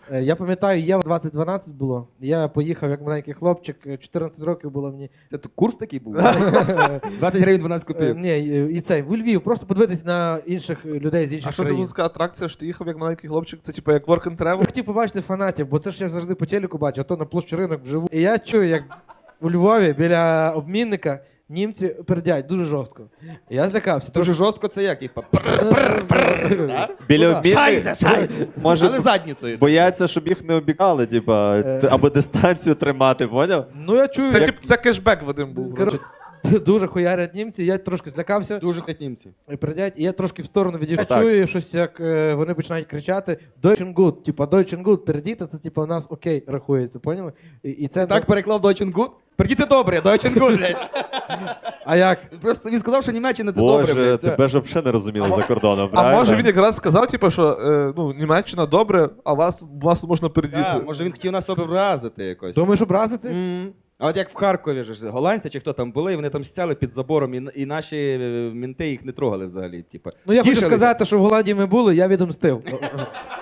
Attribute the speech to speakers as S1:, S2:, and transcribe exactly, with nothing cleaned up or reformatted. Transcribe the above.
S1: Е, Я пам'ятаю, Євро двадцять дванадцять було. Я поїхав як маленький хлопчик, е, чотирнадцять років було мені.
S2: Це то курс такий був? двадцять гривень дванадцять
S1: Е,
S2: копійок.
S1: Ні, е, і цей, в Львів, просто подивитись на інших людей з інших
S3: А що це
S1: країн.
S3: була така атракція, що ти їхав як маленький хлопчик? Це типу як work and travel?
S1: Я хотів побачити фанатів, бо це ж я завжди по телеку бачу, а то на площі ринок вживу. І я чую, як у Львові біля обмінника німці пердять дуже жорстко. І я злякався.
S2: Дуже жорстко це як, типа,
S4: Біля
S1: Ну, да.
S4: обмінника, може,
S2: але задницею.
S4: бояться, щоб їх не обікали, типа, т- або дистанцію тримати, поняв?
S1: Ну я чую,
S3: Це,
S1: як
S3: тип, це кешбек Вадим був.
S1: коротше, дуже хуярять німці, я трошки злякався.
S2: Дуже хоть німці.
S1: І передять, і я трошки в сторону відійшов. Я
S4: Отак.
S1: чую щось, як е, вони починають кричати Deutschen gut, типа Deutschen gut, передіти, це типа у нас окей рахується, поняли? І, і це
S2: Так переклав Deutschen Gut? Придіти добре, Deutschen Gut, блядь.
S1: А як?
S2: Просто він сказав, що Німеччина це добре,
S4: Боже,
S2: блядь. все.
S4: тебе ж взагалі не розуміли за кордоном,
S3: А
S4: правильно?
S3: може він якраз сказав, типу, що е, ну, Німеччина добре, а вас, вас можна передіти.
S2: Да, може він хотів нас образити якось.
S1: Думаєш образити?
S2: М. А от як в Харкові ж голландці чи хто там були, і вони там стяли під забором, і, і наші е, мінти їх не трогали взагалі. Типу.
S1: Ну я хочу
S2: Тішилися.
S1: сказати, що в Голландії ми були, я відомстив.